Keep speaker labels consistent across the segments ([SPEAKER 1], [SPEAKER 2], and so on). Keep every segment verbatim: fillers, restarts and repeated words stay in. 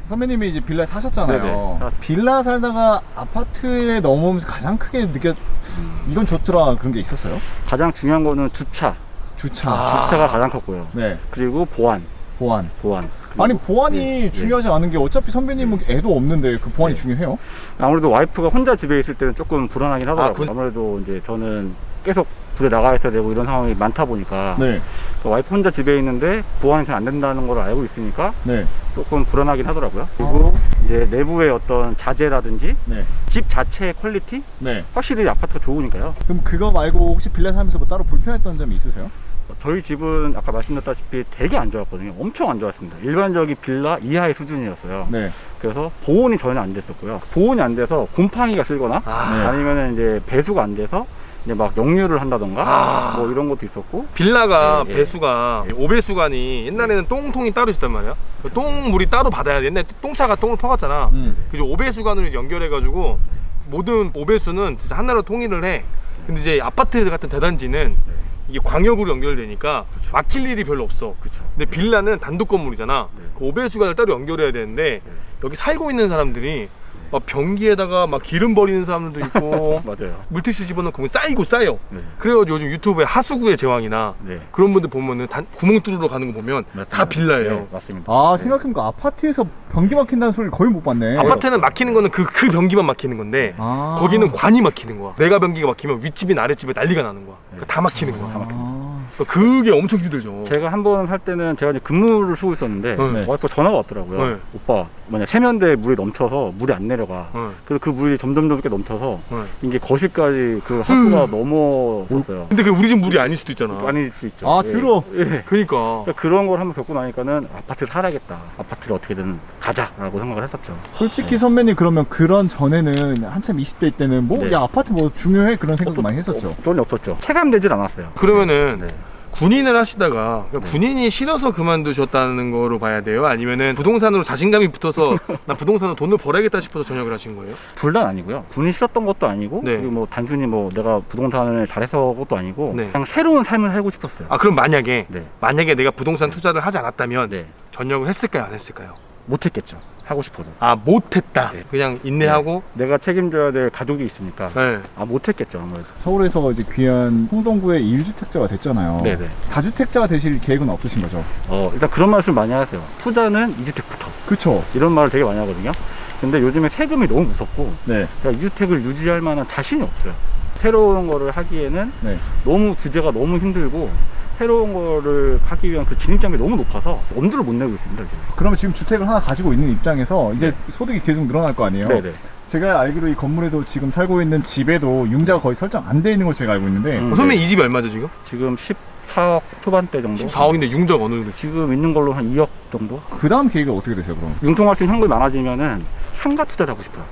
[SPEAKER 1] 선배님이 이제 빌라에 사셨잖아요.
[SPEAKER 2] 네네.
[SPEAKER 1] 빌라 살다가 아파트에 넘어오면서 가장 크게 느꼈 이건 좋더라 그런 게 있었어요?
[SPEAKER 2] 가장 중요한 거는 주차.
[SPEAKER 1] 주차.
[SPEAKER 2] 아. 주차가 가장 컸고요.
[SPEAKER 1] 네.
[SPEAKER 2] 그리고 보안.
[SPEAKER 1] 보안.
[SPEAKER 2] 보안.
[SPEAKER 1] 아니 보안이
[SPEAKER 2] 네.
[SPEAKER 1] 중요하지 네. 않은 게 어차피 선배님은 애도 없는데 그 보안이 네. 중요해요?
[SPEAKER 2] 아무래도 와이프가 혼자 집에 있을 때는 조금 불안하긴 하더라고요. 아, 그... 아무래도 이제 저는 계속 불에 나가 있어야 되고 이런 상황이 많다 보니까 네. 와이프 혼자 집에 있는데 보안이 잘 안 된다는 걸 알고 있으니까 네. 조금 불안하긴 하더라고요. 그리고 아. 이제 내부의 어떤 자재라든지 네. 집 자체의 퀄리티? 네. 확실히 아파트가 좋으니까요.
[SPEAKER 1] 그럼 그거 말고 혹시 빌라 살면서 뭐 따로 불편했던 점이 있으세요?
[SPEAKER 2] 저희 집은 아까 말씀드렸다시피 되게 안 좋았거든요. 엄청 안 좋았습니다. 일반적인 빌라 이하의 수준이었어요. 네. 그래서 보온이 전혀 안 됐었고요. 보온이 안 돼서 곰팡이가 쓸거나 아. 네. 아니면 이제 배수가 안 돼서 이제 막 역류를 한다던가 아. 뭐 이런 것도 있었고.
[SPEAKER 3] 빌라가 네, 배수가 네. 오배수관이 옛날에는 똥통이 따로 있었단 말이야. 그 똥물이 따로 받아야 돼. 옛날에 똥차가 똥을 퍼갔잖아. 음. 그래서 오배수관으로 이제 연결해가지고 모든 오배수는 진짜 하나로 통일을 해. 근데 이제 아파트 같은 대단지는 이게 광역으로 연결되니까 그쵸. 막힐 일이 별로 없어. 그쵸. 근데 빌라는 단독 건물이잖아. 네. 그 오배수관을 따로 연결해야 되는데 네. 여기 살고 있는 사람들이 막 변기에다가 막 기름 버리는 사람들도 있고
[SPEAKER 2] 맞아요.
[SPEAKER 3] 물티슈 집어넣고 쌓이고 쌓여. 네. 그래가지고 요즘 유튜브에 하수구의 제왕이나 네. 그런 분들 보면은 단, 구멍 뚫으러 가는 거 보면 맞습니다. 다 빌라예요. 네,
[SPEAKER 2] 맞습니다.
[SPEAKER 1] 아
[SPEAKER 2] 네.
[SPEAKER 1] 생각해보니까 아파트에서 변기 막힌다는 소리를 거의 못 봤네.
[SPEAKER 3] 아파트는 막히는 거는 그, 그 변기만 막히는 건데 아. 거기는 관이 막히는 거야. 내가 변기가 막히면 윗집이나 아랫집에 난리가 나는 거야. 그러니까 다 막히는 거야.
[SPEAKER 2] 다 막히는 거야.
[SPEAKER 3] 그게 엄청 힘들죠.
[SPEAKER 2] 제가 한 번 살 때는 제가 이제 근무를 쓰고 있었는데 네. 와이프가 전화가 왔더라고요. 네. 오빠 만약 세면대에 물이 넘쳐서 물이 안 내려가. 네. 그래서 그 물이 점점 점점 넘쳐서 네. 이게 거실까지 그 하수가 음. 넘어섰어요.
[SPEAKER 3] 근데 그 우리 집 물이 아닐 수도 있잖아.
[SPEAKER 2] 아닐 수 있죠.
[SPEAKER 1] 아
[SPEAKER 2] 예.
[SPEAKER 1] 들어.
[SPEAKER 3] 예. 그러니까.
[SPEAKER 2] 그러니까 그런 걸 한번 겪고 나니까는 아파트 살아야겠다. 아파트를 어떻게든 가자라고 생각을 했었죠.
[SPEAKER 1] 솔직히
[SPEAKER 2] 네.
[SPEAKER 1] 선배님 그러면 그런 전에는 한참 이십 대 때는 뭐 야
[SPEAKER 2] 네.
[SPEAKER 1] 아파트 뭐 중요해 그런 생각도 많이 했었죠.
[SPEAKER 2] 전혀 없었죠. 체감되질 않았어요.
[SPEAKER 3] 그러면은.
[SPEAKER 2] 네.
[SPEAKER 3] 군인을 하시다가 그러니까 네. 군인이 싫어서 그만두셨다는 거로 봐야 돼요? 아니면은 부동산으로 자신감이 붙어서 나 부동산으로 돈을 벌어야겠다 싶어서 전역을 하신 거예요?
[SPEAKER 2] 둘 다 아니고요. 군인 싫었던 것도 아니고 네. 그리고 뭐 단순히 뭐 내가 부동산을 잘해서 것도 아니고 네. 그냥 새로운 삶을 살고 싶었어요.
[SPEAKER 3] 아 그럼 만약에
[SPEAKER 2] 네.
[SPEAKER 3] 만약에 내가 부동산 투자를 하지 않았다면
[SPEAKER 2] 네.
[SPEAKER 3] 전역을 했을까요? 안 했을까요?
[SPEAKER 2] 못했겠죠. 하고 싶어도.
[SPEAKER 3] 아 못했다.
[SPEAKER 2] 네.
[SPEAKER 3] 그냥 인내하고
[SPEAKER 2] 네. 내가 책임져야 될 가족이 있으니까 네. 아 못했겠죠 아무래도.
[SPEAKER 1] 서울에서 이제 귀한 홍동구의 일 주택자가 됐잖아요. 네네. 다주택자가 되실 계획은 없으신 거죠?
[SPEAKER 2] 어 일단 그런 말씀 많이 하세요. 투자는 이 주택부터.
[SPEAKER 1] 그렇죠.
[SPEAKER 2] 이런 말을 되게 많이 하거든요. 근데 요즘에 세금이 너무 무섭고
[SPEAKER 1] 네.
[SPEAKER 2] 그러니까 이 주택을 유지할 만한 자신이 없어요. 새로운 거를 하기에는 네. 너무 규제가 너무 힘들고 새로운 거를 하기 위한 그 진입장벽이 너무 높아서 엄두를 못 내고 있습니다 지금.
[SPEAKER 1] 그러면 지금 주택을 하나 가지고 있는 입장에서 이제 네. 소득이 계속 늘어날 거 아니에요? 네네. 제가 알기로 이 건물에도 지금 살고 있는 집에도 융자가 거의 설정 안 돼 있는 걸 제가 알고 있는데
[SPEAKER 3] 음, 어, 선배님 네. 이 집이 얼마죠 지금?
[SPEAKER 2] 지금 십사억 초반대 정도.
[SPEAKER 3] 십사억인데 융자가 어느 정도?
[SPEAKER 2] 지금 있는 걸로 한 이억 정도?
[SPEAKER 1] 그 다음 계획이 어떻게 되세요 그럼?
[SPEAKER 2] 융통할 수 있는 현금이 많아지면은 상가 투자를 하고 싶어요.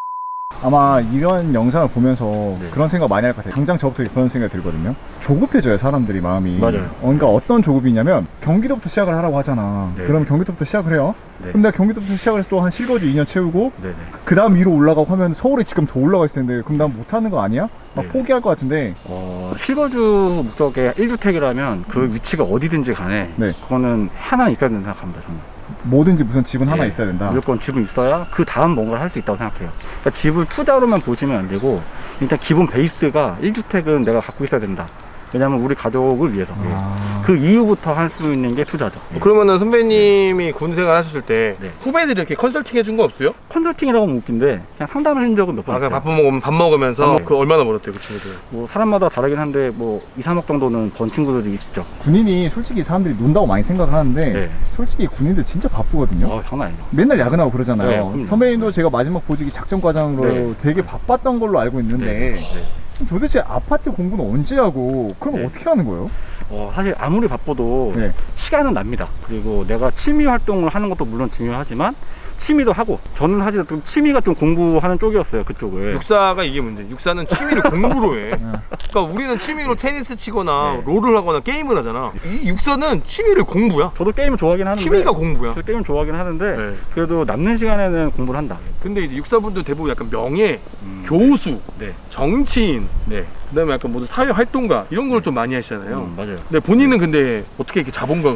[SPEAKER 1] 아마 이런 영상을 보면서 네. 그런 생각 많이 할 것 같아요. 당장 저부터 그런 생각이 들거든요. 조급해져요 사람들이 마음이.
[SPEAKER 2] 맞아요.
[SPEAKER 1] 어, 그러니까 어떤 조급이냐면 경기도부터 시작을 하라고 하잖아. 네. 그럼 경기도부터 시작을 해요. 네. 그럼 내가 경기도부터 시작을 해서 또 한 실거주 이 년 채우고 네. 그 다음 위로 올라가고 하면 서울에 지금 더 올라가 있을 텐데 그럼 난 못하는 거 아니야? 막 네. 포기할 것 같은데
[SPEAKER 2] 어, 실거주 목적의 일 주택이라면 그 음. 위치가 어디든지 간에 네. 그거는 하나 있어야 된다고 생각합니다 저는.
[SPEAKER 1] 뭐든지 무슨 집은 네. 하나 있어야 된다.
[SPEAKER 2] 무조건 집은 있어야 그 다음 뭔가를 할 수 있다고 생각해요. 그러니까 집을 투자로만 보시면 안 되고 일단 기본 베이스가 일 주택은 내가 갖고 있어야 된다. 왜냐면 우리 가족을 위해서. 아... 그 이후부터 할 수 있는 게 투자죠.
[SPEAKER 3] 어, 그러면은 선배님이 네. 군 생활 하셨을 때 네. 후배들이 이렇게 컨설팅 해준 거 없어요?
[SPEAKER 2] 컨설팅이라고 하면 웃긴데 그냥 상담을 한 적은 몇 번
[SPEAKER 3] 아,
[SPEAKER 2] 있어요.
[SPEAKER 3] 밥 먹으면 밥 먹으면서 네. 그 얼마나 벌었대요 그 친구들?
[SPEAKER 2] 뭐 사람마다 다르긴 한데 뭐 이, 삼억 정도는 번 친구들이 있죠.
[SPEAKER 1] 군인이 솔직히 사람들이 논다고 많이 생각을 하는데 네. 솔직히 군인들 진짜 바쁘거든요.
[SPEAKER 2] 어, 장난 아니죠.
[SPEAKER 1] 맨날 야근하고 그러잖아요.
[SPEAKER 2] 네,
[SPEAKER 1] 선배님도 제가 마지막 보직이 작전과장으로 네. 되게 바빴던 걸로 알고 있는데 네. 네. 도대체 아파트 공부는 언제 하고 그럼 네. 어떻게 하는 거예요?
[SPEAKER 2] 어, 사실 아무리 바빠도 네. 시간은 납니다. 그리고 내가 취미 활동을 하는 것도 물론 중요하지만 취미도 하고 저는 사실 좀 취미가 좀 공부하는 쪽이었어요 그쪽을.
[SPEAKER 3] 육사가 이게 문제. 육사는 취미를 공부로 해. 그러니까 우리는 취미로 테니스 치거나 네. 롤을 하거나 게임을 하잖아. 이 육사는 취미를 공부야.
[SPEAKER 2] 저도 게임을 좋아하긴 하는데
[SPEAKER 3] 취미가 공부야.
[SPEAKER 2] 저 게임을 좋아하긴 하는데 네. 그래도 남는 시간에는 공부를 한다.
[SPEAKER 3] 근데 이제 육사분들 대부분 약간 명예, 음, 교수,
[SPEAKER 2] 네. 정치인,
[SPEAKER 3] 네. 그다음에 약간 모두 사회 활동가 이런 걸 좀 많이 하시잖아요.
[SPEAKER 2] 음, 맞아요.
[SPEAKER 3] 근데 본인은 근데 어떻게 이렇게 자본가가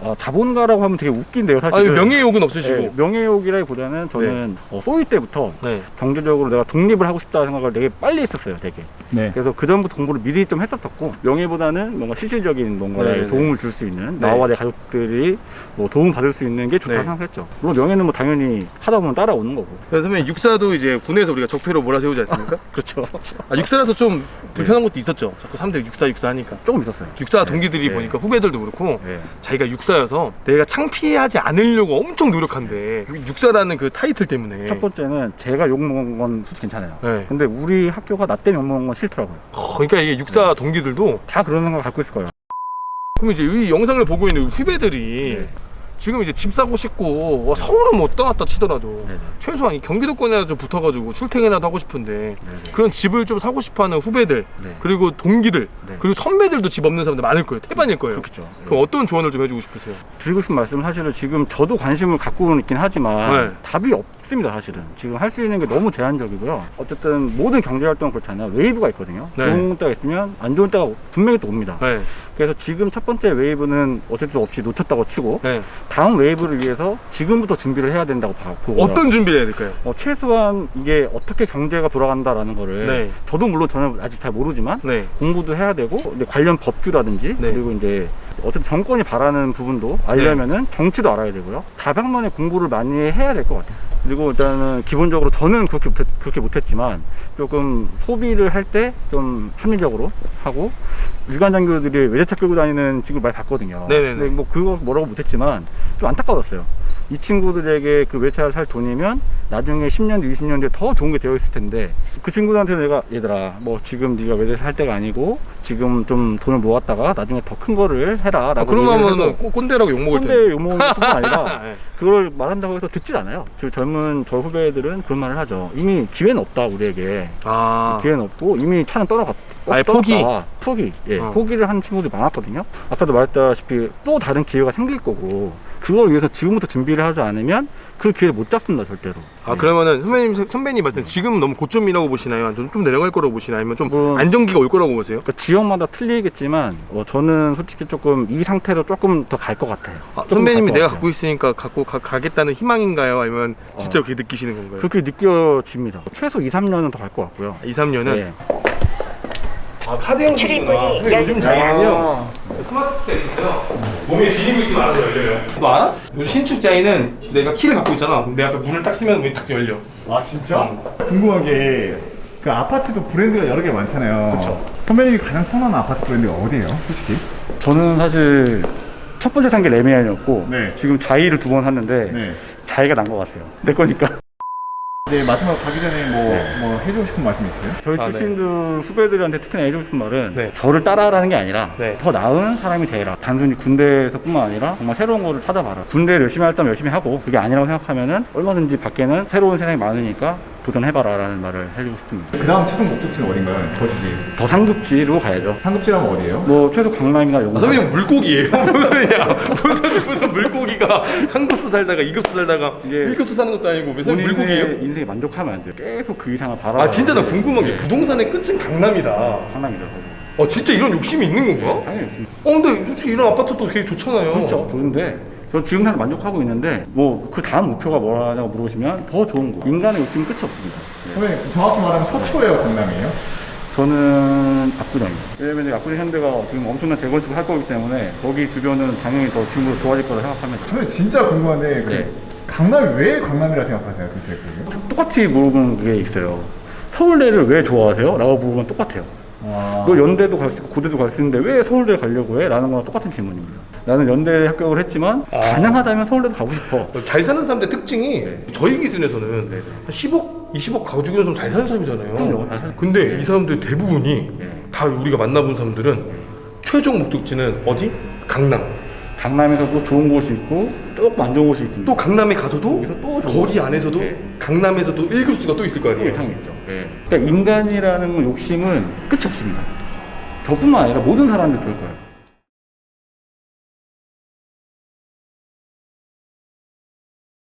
[SPEAKER 2] 어, 자본가라고 하면 되게 웃긴데요, 사실.
[SPEAKER 3] 아니, 명예욕은 없으시고.
[SPEAKER 2] 네, 명예욕이라기보다는 저는 네. 어, 소위 때부터
[SPEAKER 3] 네.
[SPEAKER 2] 경제적으로 내가 독립을 하고 싶다는 생각을 되게 빨리 했었어요, 되게.
[SPEAKER 1] 네.
[SPEAKER 2] 그래서 그 전부터 공부를 미리 좀 했었었고, 명예보다는 뭔가 실질적인 뭔가에
[SPEAKER 3] 네.
[SPEAKER 2] 도움을 줄 수 있는
[SPEAKER 3] 네.
[SPEAKER 2] 나와 내 가족들이 뭐 도움 받을 수 있는 게 좋다
[SPEAKER 3] 네.
[SPEAKER 2] 생각했죠. 물론 명예는 뭐 당연히 하다 보면 따라오는 거고.
[SPEAKER 3] 그래서 선배님 육사도 이제 군에서 우리가 적폐로 몰아세우지 않습니까?
[SPEAKER 2] 그렇죠.
[SPEAKER 3] 아, 육사라서 좀 불편한 것도 있었죠. 자꾸 사람들이 육사 육사 하니까.
[SPEAKER 2] 조금 있었어요.
[SPEAKER 3] 육사 동기들이
[SPEAKER 2] 네.
[SPEAKER 3] 보니까 후배들도 그렇고
[SPEAKER 2] 네.
[SPEAKER 3] 자기가 육사여서 내가 창피하지 않으려고 엄청 노력한대. 육사라는 그 타이틀 때문에.
[SPEAKER 2] 첫 번째는 제가 욕먹은 건 솔직히 괜찮아요.
[SPEAKER 3] 네.
[SPEAKER 2] 근데 우리 학교가 나 때문에 욕먹은 건 싫더라고요.
[SPEAKER 3] 어, 그러니까 이게 육사 동기들도
[SPEAKER 2] 다 그런 생각 갖고 있을 거예요.
[SPEAKER 3] 그럼 이제 이 영상을 보고 있는 후배들이
[SPEAKER 2] 네.
[SPEAKER 3] 지금 이제 집 사고 싶고 와, 서울은 못 떠났다 치더라도
[SPEAKER 2] 네네.
[SPEAKER 3] 최소한 이 경기도권이라도 좀 붙어가지고 출퇴근이라도 하고 싶은데
[SPEAKER 2] 네네.
[SPEAKER 3] 그런 집을 좀 사고 싶어하는 후배들
[SPEAKER 2] 네.
[SPEAKER 3] 그리고 동기들
[SPEAKER 2] 네.
[SPEAKER 3] 그리고 선배들도 집 없는 사람들 많을 거예요. 태반일 거예요.
[SPEAKER 2] 그렇겠죠.
[SPEAKER 3] 그럼 어떤 조언을 좀 해주고 싶으세요?
[SPEAKER 2] 드리고 싶은 말씀은 사실은 지금 저도 관심을 갖고 있긴 하지만
[SPEAKER 3] 네.
[SPEAKER 2] 답이 없습니다. 사실은 지금 할 수 있는 게 너무 제한적이고요. 어쨌든 모든 경제활동은 그렇잖아요. 웨이브가 있거든요.
[SPEAKER 3] 네.
[SPEAKER 2] 좋은 때가 있으면 안 좋은 때가 분명히 또 옵니다.
[SPEAKER 3] 네.
[SPEAKER 2] 그래서 지금 첫 번째 웨이브는 어쩔 수 없이 놓쳤다고 치고
[SPEAKER 3] 네.
[SPEAKER 2] 다음 웨이브를 위해서 지금부터 준비를 해야 된다고 봐- 보고요.
[SPEAKER 3] 어떤 준비를 해야 될까요?
[SPEAKER 2] 어, 최소한 이게 어떻게 경제가 돌아간다라는 거를
[SPEAKER 3] 네.
[SPEAKER 2] 저도 물론 저는 아직 잘 모르지만
[SPEAKER 3] 네.
[SPEAKER 2] 공부도 해야 되고 근데 관련 법규라든지
[SPEAKER 3] 네.
[SPEAKER 2] 그리고 이제 어쨌든 정권이 바라는 부분도 알려면은 정치도 알아야 되고요. 다방면의 공부를 많이 해야 될 것 같아요. 그리고 일단은 기본적으로 저는 그렇게 못했, 그렇게 못했지만 조금 소비를 할 때 좀 합리적으로 하고 유관장교들이 외제차 끌고 다니는 친구를 많이 봤거든요.
[SPEAKER 3] 네네네.
[SPEAKER 2] 근데 뭐 그거 뭐라고 못했지만 좀 안타까웠어요. 이 친구들에게 그 외제차를 살 돈이면 나중에 십 년 뒤, 이십 년 뒤에 더 좋은 게 되어 있을 텐데 그 친구들한테 내가 얘들아 뭐 지금 네가 외제차 살 때가 아니고 지금 좀 돈을 모았다가 나중에 더 큰 거를 해라 라고
[SPEAKER 3] 아, 그러면 꼰대라고 욕먹을 텐데.
[SPEAKER 2] 꼰대 욕먹는 뿐만 아니라
[SPEAKER 3] 네.
[SPEAKER 2] 그걸 말한다고 해서 듣질 않아요. 저 젊은 저 후배들은 그런 말을 하죠. 이미 기회는 없다 우리에게.
[SPEAKER 3] 아.
[SPEAKER 2] 기회는 없고 이미 차는 떠나갔
[SPEAKER 3] 아예 포기.
[SPEAKER 2] 포기 예
[SPEAKER 3] 어.
[SPEAKER 2] 포기를 하는 친구들이 많았거든요. 아까도 말했다시피 또 다른 기회가 생길 거고 그걸 위해서 지금부터 준비를 하지 않으면 그 기회를 못 잡습니다 절대로.
[SPEAKER 3] 아
[SPEAKER 2] 네.
[SPEAKER 3] 그러면은 선배님 선배님 봤을 때 지금 너무 고점이라고 보시나요? 아니면 좀 내려갈 거라고 보시나요? 아니면 좀
[SPEAKER 2] 뭐-
[SPEAKER 3] 안정기가 올 거라고 보세요?
[SPEAKER 2] 그러니까 지역마다 틀리겠지만 어, 저는 솔직히 조금 이 상태로 조금 더 갈 것 같아요.
[SPEAKER 3] 아,
[SPEAKER 2] 조금
[SPEAKER 3] 선배님이
[SPEAKER 2] 갈것
[SPEAKER 3] 내가
[SPEAKER 2] 같아요.
[SPEAKER 3] 갖고 있으니까 갖고 가, 가겠다는 희망인가요? 아니면 진짜
[SPEAKER 2] 어.
[SPEAKER 3] 그렇게 느끼시는 건가요?
[SPEAKER 2] 그렇게 느껴집니다. 최소 이, 삼 년은 더 갈 것 같고요.
[SPEAKER 3] 이, 삼 년은?
[SPEAKER 2] 네.
[SPEAKER 3] 아 카드 형식이구나. 근데 요즘 자이는요 스마트키가 있어요. 몸에 지니고 있으면 알아서 열려요. 너 알아? 요즘 신축 자이는 내가 키를 갖고 있잖아. 그럼 내 앞에 문을 딱 쓰면 문이 딱 열려.
[SPEAKER 1] 아 진짜? 궁금한 게 그 아파트도 브랜드가 여러 개 많잖아요.
[SPEAKER 2] 그쵸.
[SPEAKER 1] 선배님이 가장 선호하는 아파트 브랜드가 어디예요? 솔직히?
[SPEAKER 2] 저는 사실 첫 번째 산 게 레미안이었고
[SPEAKER 1] 네.
[SPEAKER 2] 지금 자이를 두 번 샀는데
[SPEAKER 1] 네.
[SPEAKER 2] 자이가 난 것 같아요. 내 거니까.
[SPEAKER 1] 이제 마지막 가기 전에 뭐,
[SPEAKER 2] 네.
[SPEAKER 1] 뭐 해주고 싶은 말씀 있어요?
[SPEAKER 2] 저희
[SPEAKER 3] 아,
[SPEAKER 2] 출신들 후배들한테 특히나 해주고 싶은 말은
[SPEAKER 3] 네.
[SPEAKER 2] 저를 따라하라는 게 아니라
[SPEAKER 3] 네.
[SPEAKER 2] 더 나은 사람이 되라. 단순히 군대에서뿐만 아니라 정말 새로운 거를 찾아봐라. 군대를 열심히 할 때면 열심히 하고 그게 아니라고 생각하면은 얼마든지 밖에는 새로운 세상이 많으니까 도전해봐라 라는 말을 해주고 싶습니다.
[SPEAKER 1] 그 다음 최종 목적지는 어딘가요? 더 주지.
[SPEAKER 2] 더 상급지로 가야죠.
[SPEAKER 1] 상급지라면 어디예요?
[SPEAKER 2] 뭐 최소 강남이나 용산.
[SPEAKER 3] 아, 선배님 물고기예요. 무슨이냐? 무슨 무슨 물고기가 삼 급수 살다가 이 급수 살다가
[SPEAKER 2] 이게
[SPEAKER 3] 일 급수 사는 것도 아니고 왜 선배님 물고기예요?
[SPEAKER 2] 본인의 인생에 만족하면 안 돼요. 계속 그 이상을 바라.
[SPEAKER 3] 아 진짜 나 궁금한 게 부동산의 끝은 강남이다.
[SPEAKER 2] 강남이죠.
[SPEAKER 3] 어 진짜 이런 욕심이 있는 건가?
[SPEAKER 2] 당연히 있습니다.
[SPEAKER 3] 어 근데 솔직히 이런 아파트도 되게 좋잖아요.
[SPEAKER 2] 그렇죠. 좋은데 저 지금 상 만족하고 있는데 뭐 그 다음 목표가 뭐라냐고 물어보시면 더 좋은 거. 인간의 욕심은 끝이 없습니다. 네.
[SPEAKER 1] 선배님 정확히 말하면 서초예요, 강남이에요?
[SPEAKER 2] 저는 압구정이요. 왜냐면 이제 압구정 현대가 지금 엄청난 재건축을 할 거기 때문에 거기 주변은 당연히 더 지금보다 좋아질 거라 생각합니다.
[SPEAKER 1] 선배님 진짜 궁금한데 그
[SPEAKER 2] 네.
[SPEAKER 1] 강남이 왜 강남이라 생각하세요, 도대체 그게?
[SPEAKER 2] 똑같이 물어보는 게 있어요. 서울대를 왜 좋아하세요? 라고 물어보면 똑같아요.
[SPEAKER 1] 와.
[SPEAKER 2] 너 연대도 갈 수 있고 고대도 갈 수 있는데 왜 서울대를 가려고 해? 라는 거랑 똑같은 질문입니다. 나는 연대에 합격을 했지만
[SPEAKER 3] 아.
[SPEAKER 2] 가능하다면 서울대도 가고 싶어.
[SPEAKER 3] 잘 사는 사람들 특징이
[SPEAKER 2] 네.
[SPEAKER 3] 저희 기준에서는
[SPEAKER 2] 네.
[SPEAKER 3] 한 십억, 이십억 가지고 있는 사람 잘 사는 사람이잖아요.
[SPEAKER 2] 그럼요, 잘 사는
[SPEAKER 3] 근데
[SPEAKER 2] 네.
[SPEAKER 3] 이 사람들 대부분이
[SPEAKER 2] 네.
[SPEAKER 3] 다 우리가 만나본 사람들은 최종 목적지는 어디? 강남.
[SPEAKER 2] 강남에서도 좋은 곳이 있고 조금 안 좋은 곳이 있습니다.
[SPEAKER 3] 또 강남에 가서도
[SPEAKER 2] 거기서 또 좋은
[SPEAKER 3] 거기
[SPEAKER 2] 곳이
[SPEAKER 3] 안에서도
[SPEAKER 2] 네.
[SPEAKER 3] 강남에서도 일 급수가 또 있을 거
[SPEAKER 2] 또
[SPEAKER 3] 아니에요.
[SPEAKER 2] 이상이 있죠. 네. 그러니까 인간이라는 욕심은 끝이 없습니다. 저뿐만 아니라 모든 사람들이 그럴 거예요.